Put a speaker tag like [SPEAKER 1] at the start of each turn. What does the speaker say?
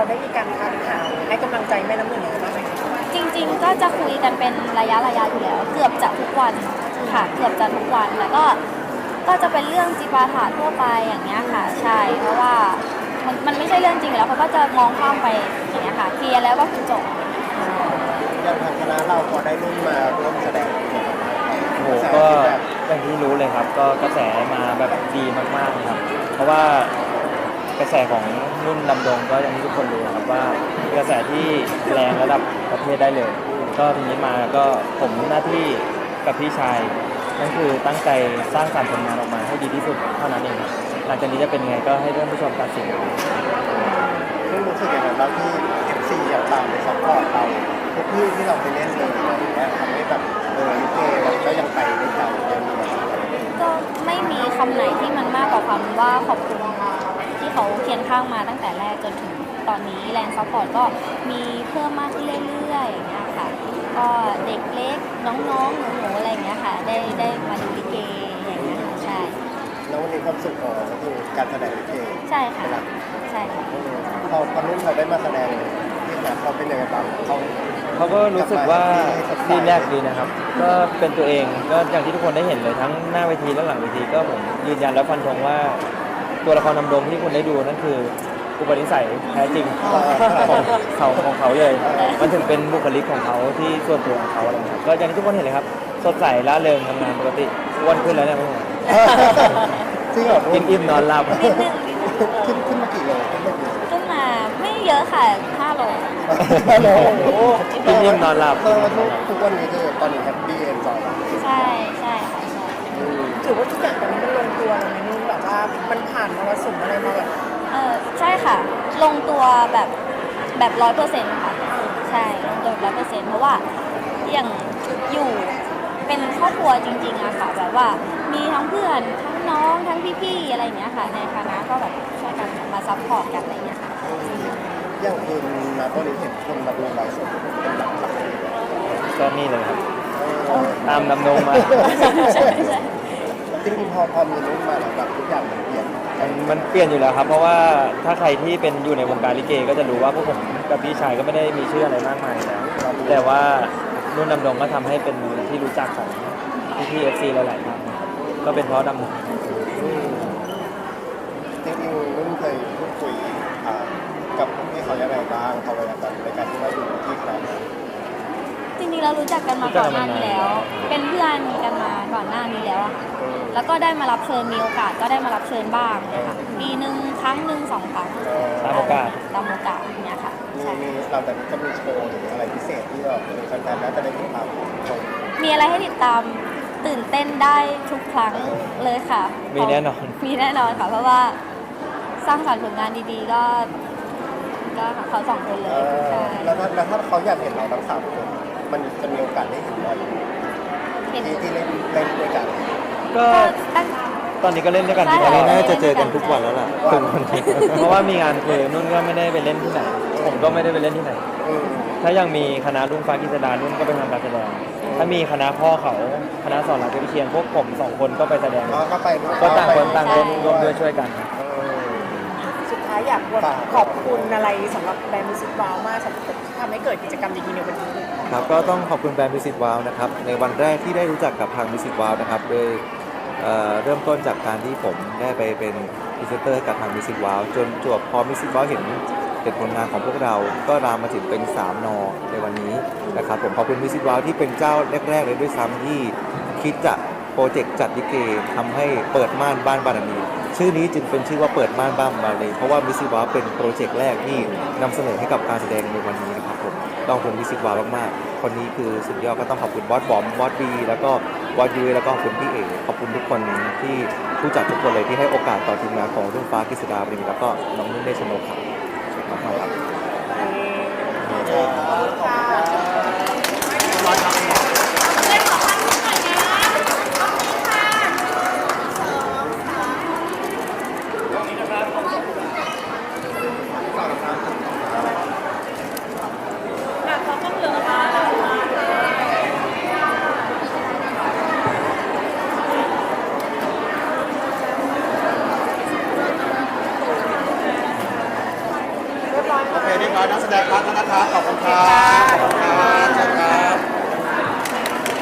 [SPEAKER 1] เราได้มีการทักหาให้กำลังใจแม่น้ำหนึ่งยังไงบ้างไหมคะ
[SPEAKER 2] จริงๆก็จะคุยกันเป็นระยะอยู่แล้วเกือบจะทุกวันค่ะเกือบจะทุกวันแล้วก็จะเป็นเรื่องจิปาถะทั่วไปอย่างเงี้ยค่ะใช่เพราะว่ามันไม่ใช่เรื่องจริงแล้วเขาก็จะมองข้ามไปอย่างเงี้ยค่ะเคลียร์แล้วก็คือจบ
[SPEAKER 3] อย่างทางคณะเราพอได้รุ่นมาร่วมแสดง
[SPEAKER 4] โอ้โหก็อย่างที่รู้เลยครับก็กระแสมาแบบดีมากๆเลยครับเพราะว่ากระแสของนุ่นดำดงก็อย่างที่ทุกคนรู้ครับว่ากระแสที่แรงระดับประเทศได้เลยก็ทีนี้มาก็ผมหน้าที่กับพี่ชายนั่นคือตั้งใจสร้างสรรค์ผลงานออกมาให้ดีที่สุดเท่านั้นเองหลังจากนี้จะเป็นไงก็ให้ท่านผู้ชมตัดสิน
[SPEAKER 3] ซึ่งรู้สึกอย่างไรบ้างที่ FC อย่างตามไปซัพพอร์ตเราทุกที่เราไปเล่นเลยอะไรอย่างเงี้ยทำให้แบบลิเกเราก็ยังไปได้ต่อยังมี
[SPEAKER 2] ก็ไม่มีคำไหนที่มันมากกว่าคำว่าขอบคุณที่เขาเคียงข้างมาตั้งแต่แรกจนถึงตอนนี้แรงซัพพอร์ตก็มีเพิ่มมากขึ้นเรื่อยๆอย่างเงี้ยค่ะก็เด็กเล็กน้องๆหนูๆอะไรอย่างเงี้ยค่ะได้มาดูลิเกอย่างเงี้ยค่ะใช่
[SPEAKER 3] แล้ววันนี้ความสุขของเราก็คือการแสดงลิเก
[SPEAKER 2] ใช่ค่ะใช่ค่ะ
[SPEAKER 3] พอรุ่นเขาได้มาแสดงที่แบบเขาเป็นยังไงบ้าง
[SPEAKER 4] เขาก็รู้สึกว่าดีแรกดีนะครับก็เป็นตัวเองก็อย่างที่ทุกคนได้เห็นเลยทั้งหน้าเวทีและหลังเวทีก็ผมยืนยันและฟันธงว่าตัวละครนำดงที่คุณได้ดูนั่นคืออุปนิสัยแท้จริงของเขาเลยมันถึงเป็นบุคลิกของเขาที่ส่วนตัวของเขาอะไรเงี้ยก็อย่างที่ทุกคนเห็นเลยครับสดใสร่าเริงทำงานปกติอ้วนขึ้นแล้วเนี่ย
[SPEAKER 3] จริงเหรอ
[SPEAKER 4] กินอิ่มนอนหลับ
[SPEAKER 3] ขึ้นมากี่โล
[SPEAKER 2] ขึ้นมาไม่เยอะค่ะ5 โล
[SPEAKER 4] กินอิ่มนอนหลับ
[SPEAKER 3] ทุกวันนี้คือตอนนี้แฮปปี้เอนจอย
[SPEAKER 2] ใช่ค่ะใช่
[SPEAKER 1] ถือว่าทุกอย่างตอนนี้มันลงตัวแล้วไหมนุ่นแบบว่ามันผ่านมรสุมอะไรมาแบบ
[SPEAKER 2] ใช่ค่ะลงตัวแบบ100%ค่ะใช่ลงตัว100%เพราะว่าอย่างอยู่เป็นครอบครัวจริงๆอะค่ะแบบว่ามีทั้งเพื่อนทั้งน้องทั้งพี่ๆอะไรอย่างเงี้ยค่ะในคณะก็แบบช่วยกันมาซัพพอร์ตกันอะไรอย่างเงี้ยค่ะ
[SPEAKER 3] อย่างคุณนะตอนนี้เห็นคนมาดูไลฟ์สดเป็นหลัก
[SPEAKER 4] ก็นี่เลยครับตามดำดงมา
[SPEAKER 3] จริงๆพอมีรุ่นมาแล้วแบบทุกอย่างมันเปลี่ยน
[SPEAKER 4] อยู่แล้วครับเพราะว่าถ้าใครที่เป็นอยู่ในวงการลิเกก็จะรู้ว่าพวกผมกับพี่ชายก็ไม่ได้มีชื่ออะไรมากมายแล้วแต่ว่านุ่นดำดงก็ทำให้เป็นที่รู้จักของพี่FC หลายๆท่านก็เป็นเพราะดำดง
[SPEAKER 3] จริงๆนุ่นเคยพูดคุยกับพี่เขายังไงบ้างเขาเวลาในการที่ว่าอยู่ที่คณะ
[SPEAKER 2] จริงๆเรารู้จักกันมาก่อนหน้านี้แล้วเป็นเพื่อนกันมาก่อนหน้านี้แล้วอะแล้วก็ได้มารับเชิญมีโอกาสก็ได้มารับเชิญบ้างนะคะปีหนึ่งครั้งหนึ่ง2 ครั้ง
[SPEAKER 4] ตามโอกาส
[SPEAKER 2] เนี่ยค่ะใช่
[SPEAKER 3] เราแต่จะมีโชว์หรืออะไรพิเศษที่เราแฟนๆน่าจะได้ติดตาม
[SPEAKER 2] มีอะไรให้ติดตามตื่นเต้นได้ทุกครั้งเลยค่ะ
[SPEAKER 4] มีแน่นอน
[SPEAKER 2] ค่ะเพราะว่าสร้างสรรค์ผลงานดีๆก็เขา2 คนเลยใช่
[SPEAKER 3] แล้วถ้าเขาอยากเห็นเราทั้ง3 คนมันจะมีโอกาสได้เห็นเราที่เล่นด้วยกัน
[SPEAKER 4] ก็ตอนนี้ก็เล่นด้วยกัน
[SPEAKER 2] ตอนนี้
[SPEAKER 4] น่าจะเจอกันทุกวันแล้วล่ะเพราะว่ามีงานคือนุ่นก็ไม่ได้ไปเล่นที่ไหนผมก็ไม่ได้ไปเล่นที่ไหนถ้ายังมีคณะรุ่งฟ้ากิษดานุ่นก็ไปทำการแสดงถ้ามีคณะพ่อเขาคณะสอนรามเทพวิเชียรพวกผม2 คนก็ไปแสดงก็ต่างคนต่างร่วมด้วยช่วยกัน
[SPEAKER 1] สุดท้ายอยากขอบคุณอะไรสำหรับแบรนด์มิวสิกวาวมากสำหรับที่ทำให้เกิดกิจกรรมดีๆในวันนี้
[SPEAKER 5] ครับก็ต้องขอบคุณแบรนด์มิวสิกวาวนะครับในวันแรกที่ได้รู้จักกับทางมิวสิกวาวนะครับโดยเริ่มต้นจากการที่ผมได้ไปเป็นพรีเซนเตอร์ให้กับทางมิวสิกวาวจนจบพอมิวสิกวาวเห็นผลงานของพวกเราก็รามมาถึงเป็น3 นอในวันนี้นะครับผมขอบคุณมิวสิกวาวที่เป็นเจ้าแรกๆเลยด้วยซ้ำที่คิดจะโปรเจกต์จัดลิเกทำให้เปิดม่านบ้านบารมีชื่อนี้จึงเป็นชื่อว่าเปิดม่านบ้านบารมีเพราะว่ามิวสิกวาวเป็นโปรเจกต์แรกที่นำเสนอให้กับการแสดงในวันนี้นะครับผมต้องขอบคุณมิวสิกวาวมากๆคนนี้คือสุดยอดก็ต้องขอบคุณบอสบอมบอสบีแล้วก็บอสยูแล้วก็ขอบคุณพี่เอ๋ขอบคุณทุกคนที่ผู้จัดทุกคนเลยที่ให้โอกาสต่อทีมงานของรุ่งฟ้ากิษดาบริมแล้วก็น้องนุ่นเดชโนครับขอบคุณครับ
[SPEAKER 1] เรียบร้อย
[SPEAKER 3] โอเคเรียบร้อยนักแสดงพักแล้วนะครับขอบคุณครับ